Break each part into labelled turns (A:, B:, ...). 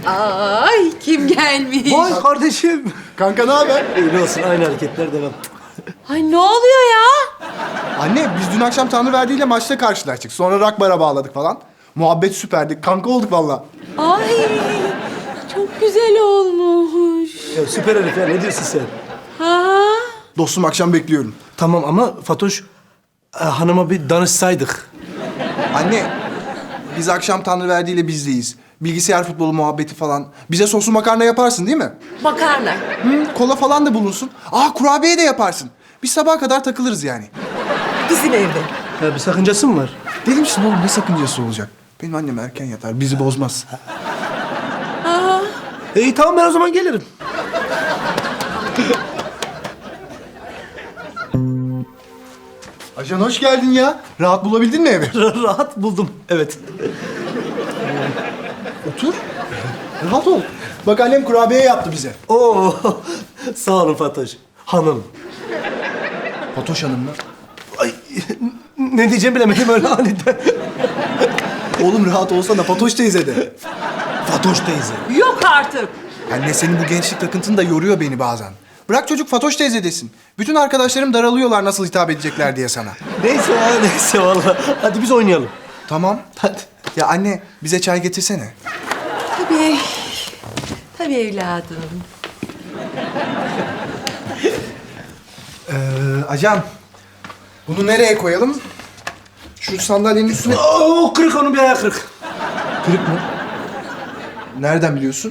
A: Ay kim gelmiş?
B: Vay kardeşim.
C: Kanka ne haber?
B: İyi olsun, aynı hareketler devam.
A: Ay ne oluyor ya?
C: Anne biz dün akşam Tanrıverdi ile maçta karşılaştık. Sonra rock bara bağladık falan. Muhabbet süperdi. Kanka olduk vallahi.
A: Ay çok güzel olmuş.
B: Ya süper herif ya, ne diyorsun sen?
A: Ha?
C: Dostum akşam bekliyorum.
B: Tamam ama Fatoş, hanıma bir danışsaydık.
C: Anne biz akşam Tanrıverdi ile bizdeyiz. Bilgisayar futbolu muhabbeti falan. Bize soslu makarna yaparsın değil mi?
A: Makarna.
C: Hı, kola falan da bulunsun. Aa kurabiye de yaparsın. Biz sabaha kadar takılırız yani.
A: Bizim evde.
B: Ya bir sakıncası mı var?
C: Deli misin oğlum ne sakıncası olacak? Benim annem erken yatar bizi bozmaz.
A: Aa,
B: İyi tamam, ben o zaman gelirim.
C: Ajan hoş geldin ya. Rahat bulabildin mi evi?
B: Rahat buldum, evet.
C: Otur. Rahat ol. Bak annem kurabiye yaptı bize.
B: Oo, sağ olun Fatoş. Hanım.
C: Fatoş Hanım mı?
B: Ay, ne diyeceğimi bilemedim öyle aniden.
C: Oğlum rahat olsana Fatoş teyze de.
B: Fatoş teyze.
A: yok artık.
C: Anne senin bu gençlik takıntın da yoruyor beni bazen. Bırak çocuk Fatoş teyze desin. Bütün arkadaşlarım daralıyorlar nasıl hitap edecekler diye sana.
B: Neyse ya, neyse vallahi. Hadi biz oynayalım.
C: Tamam.
B: Hadi.
C: Ya anne bize çay getirsene.
A: Tabii. Tabii evladım.
C: Ajan. Bunu nereye koyalım? Şu sandalyenin üstüne...
B: Oo, kırık, onun bir ayağı kırık.
C: Kırık mı? Nereden biliyorsun?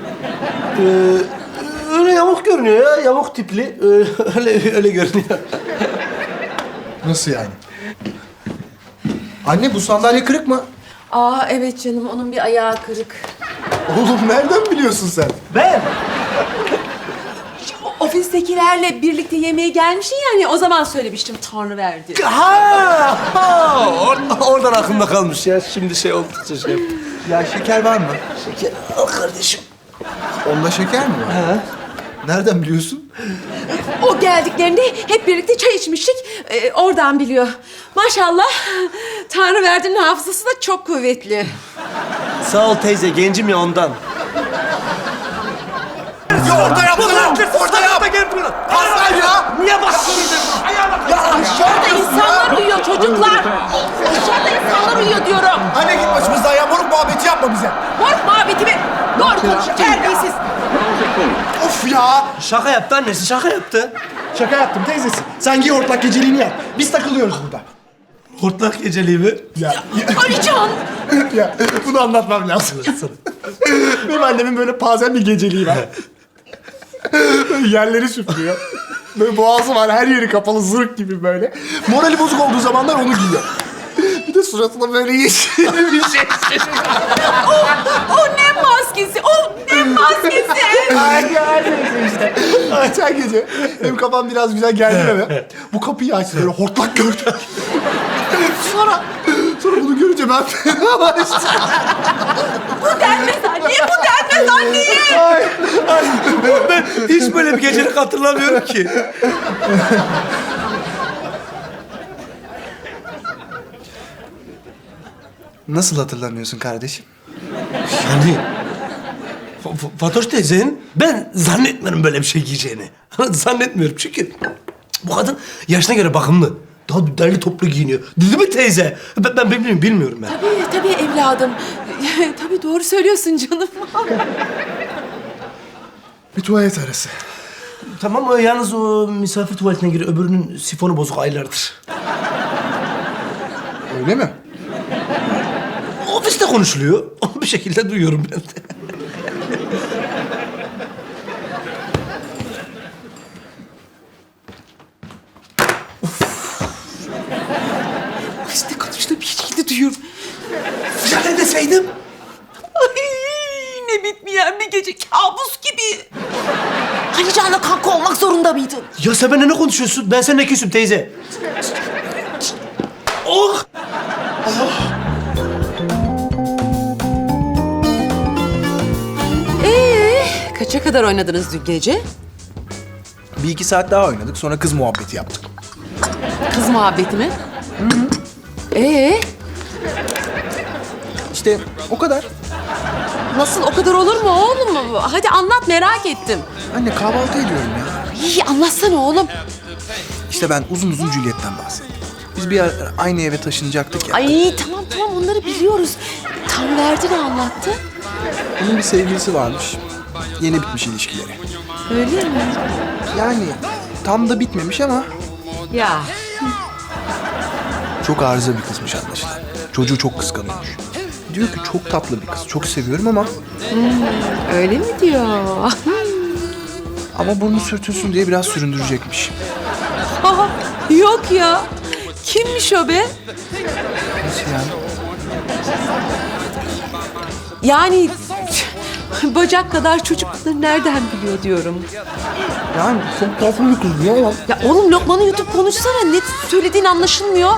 B: Öyle yamuk görünüyor ya, yamuk tipli. Öyle görünüyor.
C: Nasıl yani? Anne bu sandalye kırık mı?
A: Aa evet canım onun bir ayağı kırık.
C: Oğlum nereden biliyorsun sen?
B: Ben?
A: Ofistekilerle birlikte yemeğe gelmişsin yani o zaman söylemiştim Tanrıverdi.
B: Oradan aklımda kalmış ya. Şimdi şey oldukça şey.
C: Ya şeker var mı?
B: Şeker al kardeşim.
C: Onda şeker mi var?
B: Ha?
C: Nereden biliyorsun?
A: O geldiklerinde hep birlikte çay içmiştik. Oradan biliyor. Maşallah Tanrıverdi'nin hafızası da çok kuvvetli.
B: Sağ ol teyze, gencim ya ondan.
C: Ya orada yap lan! Orada yap! Pascal ya!
B: Niye bakıyorsun?
A: Aşağıda insanlar uyuyor çocuklar. Aşağıda insanlar uyuyor diyorum.
C: Anne git başımızdan ya moruk muhabbeti yapma bize.
A: Moruk muhabbeti mi? Doğru konuş terbiyesiz.
C: Of ya!
B: Şaka yaptı annesi, şaka yaptı.
C: Şaka yaptım teyzesi. Sen giy hortlak geceliğini yap. Biz takılıyoruz burada.
B: Hortlak geceliği mi?
A: Alican.
C: Ya bunu anlatmam lazım. Benim annemin böyle pazen bir geceliği var. Böyle yerleri süpürüyor. Böyle boğazı var, her yeri kapalı, zırh gibi böyle. Morali bozuk olduğu zamanlar onu giyiyor. Bir de suratına böyle yeşil bir şey.
A: O ne maskesi? O ne maskesi?
C: Ay neyse işte. Geçen gece benim kafam biraz güzel geldi eve. Bu kapıyı açtı böyle hortlak gördüm. sonra bunu görünce ben fenalaştım.
A: Bu denmez anneye, bu denmez anneye.
B: Ben hiç böyle bir gecelik hatırlamıyorum ki.
C: Nasıl hatırlamıyorsun kardeşim?
B: Yani Fatoş teyzenin ben zannetmiyorum böyle bir şey giyeceğini. Zannetmiyorum çünkü bu kadın yaşına göre bakımlı. Daha derli toplu giyiniyor. Değil mi teyze? Ben bilmiyorum ben.
A: Tabii evladım. Tabii doğru söylüyorsun canım.
C: Bir tuvalet arası.
B: Tamam, yalnız o misafir tuvaletine giriyor. Öbürünün sifonu bozuk aylardır.
C: Öyle mi?
B: Ofiste konuşuluyor. Bir şekilde duyuyorum ben de.
A: İşte konuştuğum bir şekilde duyuyorum.
B: Fırçalar deseydim.
A: Ay ne bitmeyen bir gece kabus gibi. Alican'la kanka olmak zorunda mıydın?
B: Ya sen benimle ne konuşuyorsun? Ben seninle küsüm teyze. Oh!
A: Kaça kadar oynadınız dün gece?
C: Bir iki saat daha oynadık sonra kız muhabbeti yaptık.
A: Kız muhabbeti mi?
C: İşte o kadar.
A: Nasıl, o kadar olur mu oğlum? Hadi anlat, merak ettim.
C: Anne kahvaltı ediyorum ya.
A: İyi, anlatsana oğlum.
C: İşte ben uzun uzun Juliet'ten bahsettim. Biz bir ara aynı eve taşınacaktık ya.
A: Ay tamam onları biliyoruz. Tanrıverdi ne anlattı?
C: Onun bir sevgilisi varmış. Yeni bitmiş ilişkileri.
A: Öyle mi?
C: Yani tam da bitmemiş ama
A: Ya.
C: çok arıza bir kızmış anlaşılan. Çocuğu çok kıskanıyormuş. Diyor ki çok tatlı bir kız, çok seviyorum ama
A: Öyle mi diyor?
C: ama burnu sürtülsün diye biraz süründürecekmiş.
A: Aa, yok ya. Kimmiş o be?
C: Nasıl yani?
A: Yani bacak kadar çocukları nereden biliyor diyorum.
C: Yani çok tatlı bir kız diyor ama
A: Ya oğlum Lokman'ı yutup konuşsana. Ne söylediğin anlaşılmıyor.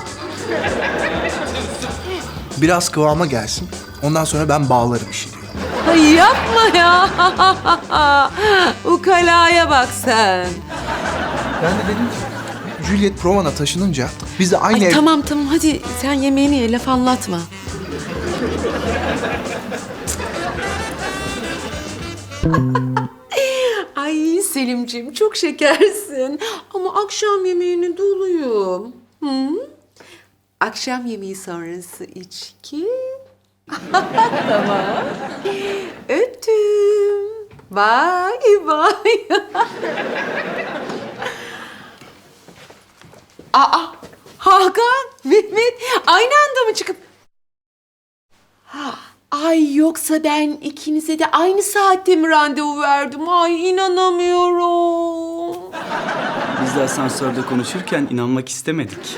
C: biraz kıvama gelsin. Ondan sonra ben bağlarım işi diyor.
A: Ay yapma ya. Ukalaya bak sen.
C: Ben de dedim ki Juliet Provan'a taşınınca biz de aynı
A: Ay
C: ev...
A: tamam hadi sen yemeğini ye, laf anlatma. Ay Selimciğim çok şekersin. Ama akşam yemeğini doluyum. Hı? Akşam yemeği sonrası içki. Tamam. Öptüm. Bye bye. Aa, Hakan, Mehmet aynı anda mı çıkıp... Ay yoksa ben ikinize de aynı saatte mi randevu verdim? Ay inanamıyorum.
D: Biz de asansörde konuşurken inanmak istemedik.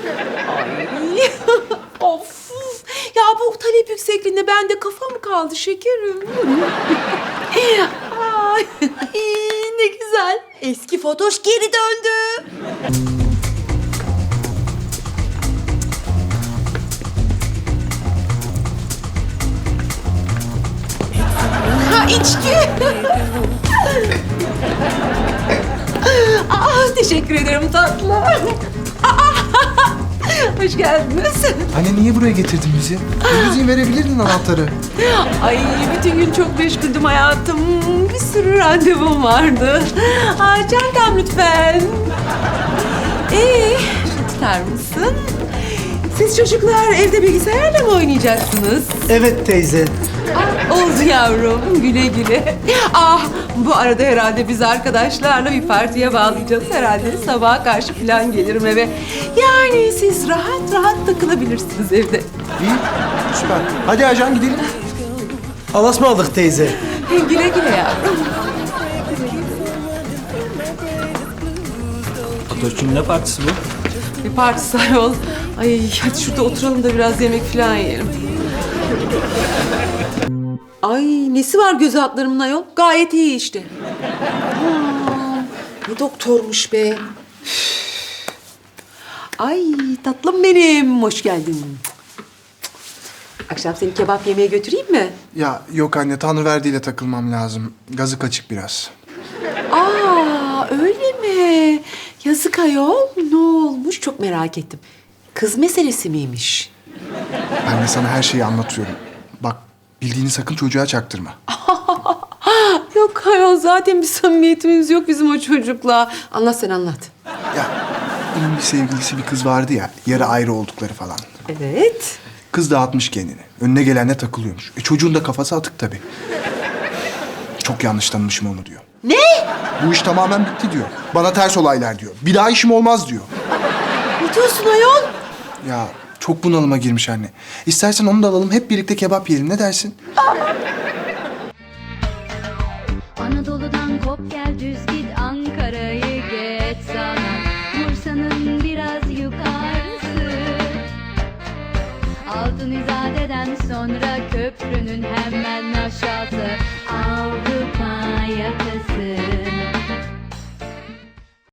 A: Of. Ya bu talep yüksekliğinde bende kafa mı kaldı şekerim? Ay, ne güzel. Eski Fatoş geri döndü. Ha içki. Teşekkür ederim tatlım. Hoş geldiniz.
C: Anne niye buraya getirdin bizi? Müziği verebilirdin anahtarı.
A: Ay bütün gün çok meşguldüm hayatım. Bir sürü randevum vardı. Çantam lütfen. Tutar mısın? Siz çocuklar evde bilgisayarla mı oynayacaksınız?
B: Evet teyze.
A: Oldu yavrum, güle güle. Bu arada herhalde biz arkadaşlarla bir partiye bağlayacağız. Herhalde sabaha karşı falan gelirim eve. Yani siz rahat rahat takılabilirsiniz evde.
C: İyi, süper. Hadi ajan gidelim.
B: Alas mı aldık teyze?
A: Güle güle yavrum.
D: Fatoş'cum ne partisi bu?
A: Bir partisi ayol. Ay hadi şurada oturalım da biraz yemek falan yiyelim. Ay nesi var göz altlarımın ayol? Gayet iyi işte. Ne doktormuş be. Ay tatlım benim. Hoş geldin. Akşam seni kebap yemeye götüreyim mi?
C: Ya yok anne, Tanrıverdi'yle takılmam lazım. Gazı kaçık biraz.
A: Öyle mi? Yazık ayol. Ne olmuş? Çok merak ettim. Kız meselesi miymiş?
C: Ben de sana her şeyi anlatıyorum. Bak, bildiğini sakın çocuğa çaktırma.
A: Yok ayol zaten bir samimiyetimiz yok bizim o çocukla. Anlat sen anlat.
C: Ya, bunun bir sevgilisi bir kız vardı ya, yarı ayrı oldukları falan.
A: Evet.
C: Kız dağıtmış kendini. Önüne gelenle takılıyormuş. Çocuğun da kafası atık tabii. Çok yanlış tanımışım onu diyor.
A: Ne?
C: Bu iş tamamen bitti diyor. Bana ters olaylar diyor. Bir daha işim olmaz diyor.
A: Ne diyorsun ayol?
C: Ya çok bunalıma girmiş anne. İstersen onu da alalım, hep birlikte kebap yiyelim. Ne dersin?
E: Anadolu'dan kop gel düz git Ankara'yı geç sana Bursa'nın biraz yukarısı Altın İzade'den sonra köprünün hemen aşağısı Avrupa yakası